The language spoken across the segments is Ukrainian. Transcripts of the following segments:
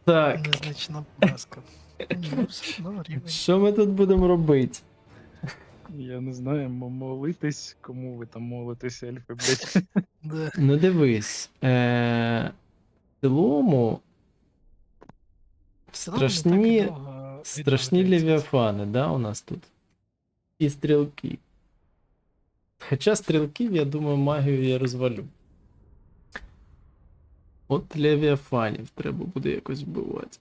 Так, Незначна поразка. Ну, все одно рівень. що ми тут будемо робити? Я не знаю, молитись, кому ви там молитесь, ельфи, блять. Да. Ну дивись. В цілому Все одно не так і довго страшні відновлюється. левіафани, да, у нас тут. І стрілки. Хоча стрілків, я думаю, магію я розвалю. От левіафанів треба буде якось вбивати.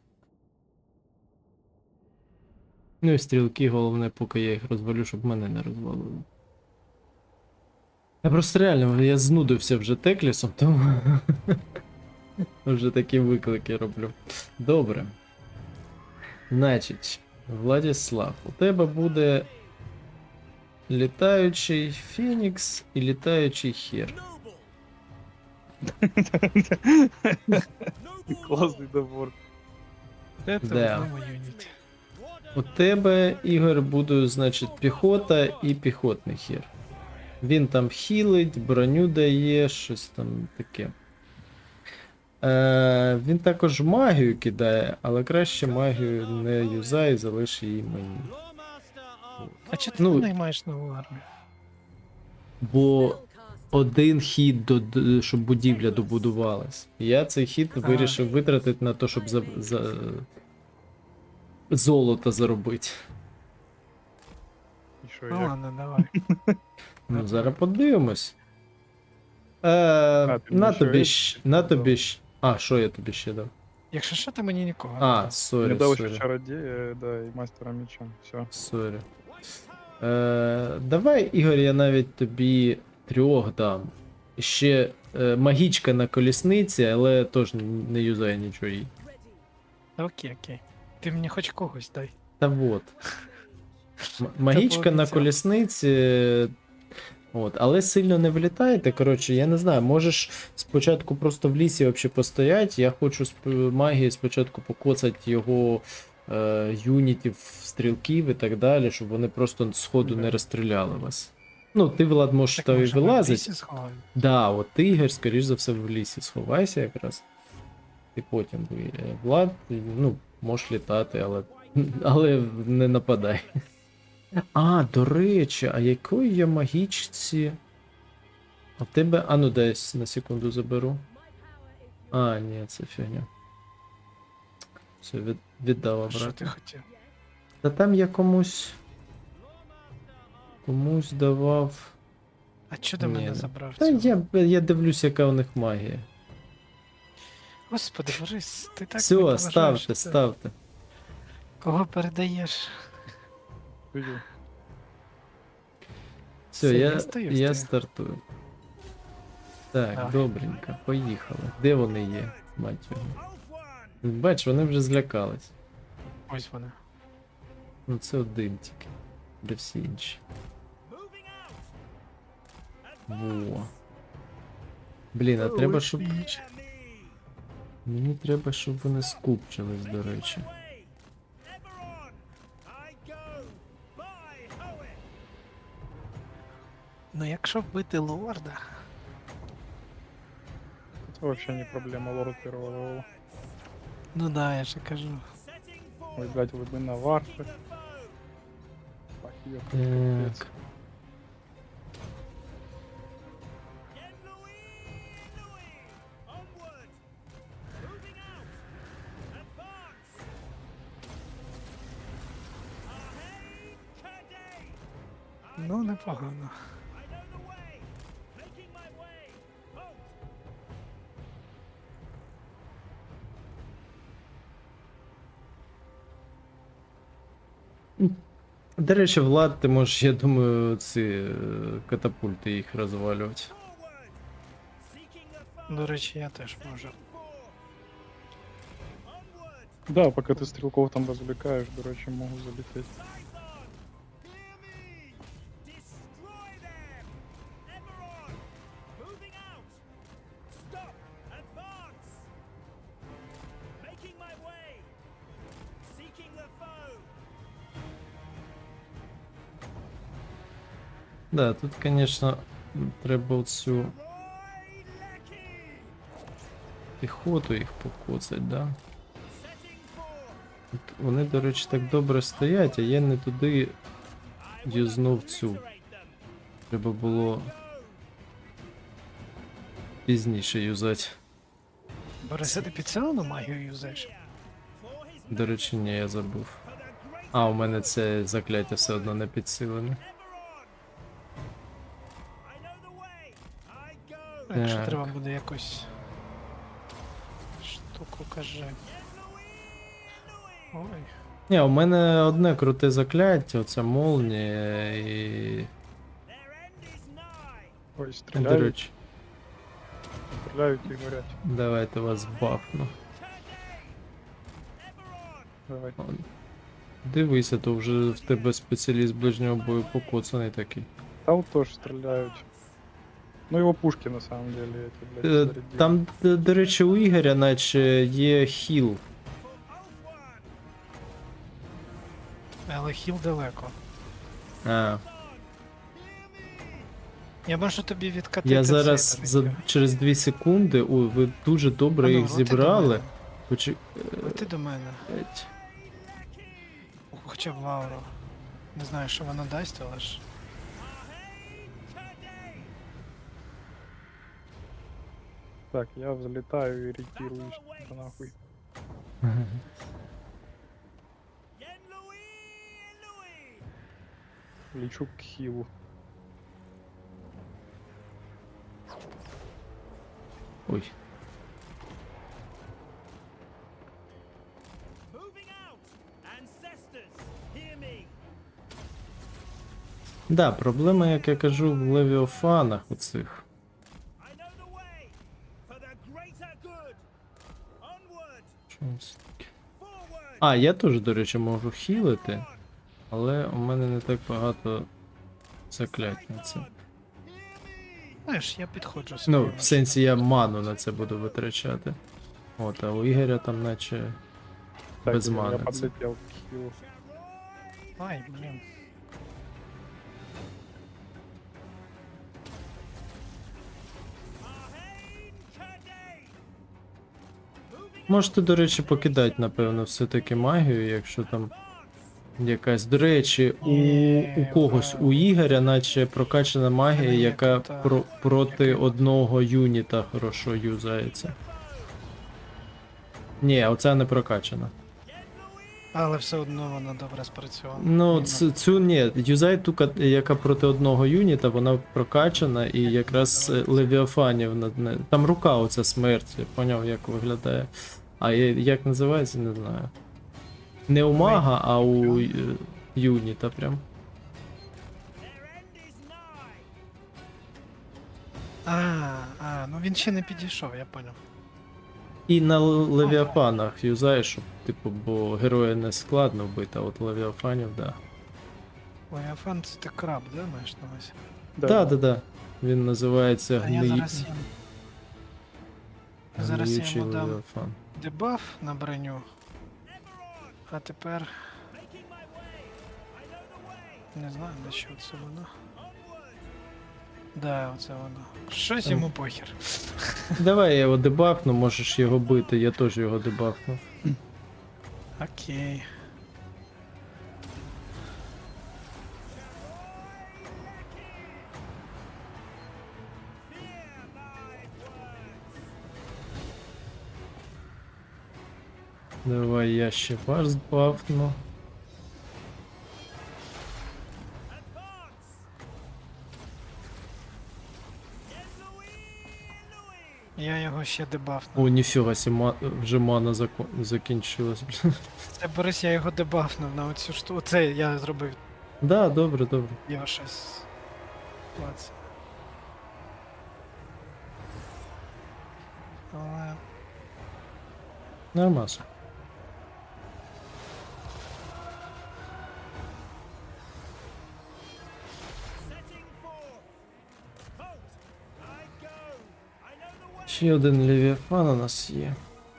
Ну і стрілки, головне, поки я їх розвалю, щоб мене не розвалили. Я просто реально, я знудився вже теклісом, тому вже такі виклики роблю. Добре. Значить, Владислав, у тебе буде літаючий Фенікс і літаючий хер. Класний добор. Це Да. в одному юніті. У тебе, Ігор, буде, значить, піхота і піхотний хер. Він там хілить, броню дає, щось там таке. Він також магію кидає, але краще магію не юзай, залиш її мені. А чи ти Ну, не маєш нову армію? Бо один хід, щоб будівля добудувалась. Я цей хід вирішив витратити на те, щоб золото заробити. І що, Ну як? ладно, давай. Ну, зараз подивимось. ти На мені тобі що на дав? тобі А, що я тобі ще дав? Якщо що, ти мені нікого не А, дав. сорі, Не дав ще сорі. чародія, да, і мастера меча. Все. Сорі. Давай, Ігор, я навіть тобі 3 дам. Ще магічка на колісниці, але теж не юзає нічого їй. Та окей, окей. Ти мені хоч когось дай. Та вот. Магічка на пообіцяв. колісниці. От, але сильно не влітайте. Коротше, я не знаю, можеш спочатку просто в лісі вообще постоять. Я хочу магії спочатку покоцати його юнітів, стрілків і так далі, щоб вони просто сходу не розстріляли вас. Ну, ти, Влад, можеш Так то і може ми в вилазить. лісі сховаємо? Да, от ти, Ігор, скоріш за все, в лісі сховайся якраз. І потім Влад, ну, можеш літати, але не нападай. А, до речі, а якої я магічці? А в тебе. А ну десь на секунду заберу. А, ні, це фігня. Все, віддав Що ти обратно. хотів? Та там я комусь. Комусь давав. А чого до Ні, мене не. забрав Та цього? я дивлюсь, яка у них магія. Господи, Борис, ти так не Все, поважаєш ставте, це. ставте. Кого передаєш? Стою. Все, Все, я я стою, я стою. стартую. Так, Давай. добренько, поїхали. Де вони є, мать його? Бач, вони вже злякались. Ось вона. Ну це один тільки. Де всі інші. Во. Блін, а треба, щоб. Мені треба, щоб вони скупчились, до речі. Ну якщо вбити лорда, Це вообще не проблема, лорд первого левела. ну да, я же кажу. Ой, блядь, ви би на варфи. Так, йо, Так. Ну, непогано. До речі, Влад, ти можеш, я думаю, ці катапульти їх розвалювати. До речі, я теж можу. Да, поки ти стрілков там розвлікаєш, до речі, можу залетіти. Да, тут, звісно, треба оцю піхоту їх покоцать, да? От вони, до речі, так добре стоять, а я не туди юзнув цю. Треба було пізніше юзати. Бориса, ти підсилену магію юзаєш? До речі, ні, я забув. А, у мене це закляття все одно не підсилене. Якщо Так. треба буде якусь штуку, кажи. Ой. Ні, у мене одне круте закляття, оця молнія і. Ой, До стріляють, речі, стріляють і горять. давайте вас бафну. Давай. Он. Дивися, то вже в тебе спеціаліст ближнього бою покоцаний такий. Там тоже стреляют. Ну его пушки на самом деле эти, блядь, Е, зарядили. Там, до речі, у Ігоря наче є хіл. Але хіл далеко. А, Я можу тобі відкатити. я зараз цей за, через 2 секунди. Ой, ви дуже добре їх зібрали. Ти до мене. Почекайте. Хоча б Лауру. Не знаю, що вона дасть, але ж. Так, я взлетаю и ретируюсь да нахуй. Лечу к хилу. Ой. Да, проблема, як я кажу, в левіофанах оцих. Що це таке? А, я теж, до речі, можу хілити, але у мене не так багато заклять на це. Знаєш, я підходжу Ну, своїм. в сенсі я ману на це буду витрачати. От, а у Ігоря там наче Так, без я мани. Це. подлетел к хилу. Ай, блін. Можете, до речі, покидати, напевно, все-таки магію, якщо там якась. До речі, у когось, у Ігоря, наче прокачана магія, Мене є яка тут, проти який- одного юніта хорошо юзається. Ні, оця не прокачана. Але все одно вона добре спрацювала. Ну, Ні, цю ні, юзай ту, яка проти одного юніта, вона прокачана, і якраз Левіафанів над не. Там рука оця смерть, я поняв, як виглядає. А як називається, не знаю. Не у мага, а у юніта прям. Ну він ще не підійшов, я поняв. І на Левіафанах юзаєш, щоб, типу, бо героя не складно вбити, а от Левіафанів, да. Левіафан це ти краб, да, маєш на увазі? Да. Він називається А я зараз їм. Зараз я Гниючий йому дам Левіафан. дебаф на броню. А тепер. Не знаю, на що це воно. Да, оце воно. Щось йому похер. Давай я його дебафну, можеш його бити, я теж його дебафну. Окей. Давай я ще вас бафну. Я його ще дебафнув. О, ніфіга сі, вже мана закінчилась. Це Борис, я його дебафнув на оцю штуку. Це я зробив Да, добре. його щось. Клац. Але. Нормас. Ще один Левіафан у нас є.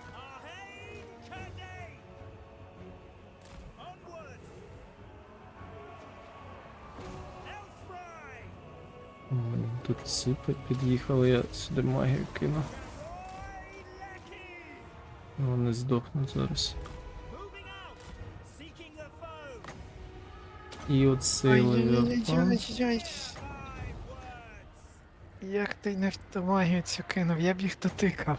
Тут ці під'їхали, я сюди магію кину. Вони здохнуть зараз. І оцей левіафан. Ой-ой-ой-ой-ой. Як ти не в ту магію цю кинув, я б їх дотикав.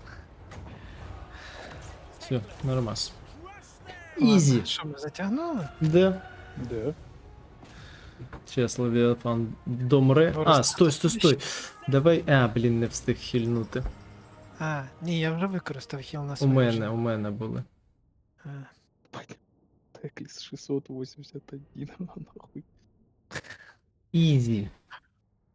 Все, нормас. Ладно, Ізі. що ми затягнули? Да. Де? Сейчас левіафан домре. Ну, А, стой, стой, стой. Давай. А, блін, не встиг хильнути. А, ні, я вже використав хіл на У свою мене, вже. у мене були. А, Бать. Текліс 681, нахуй. Ізі.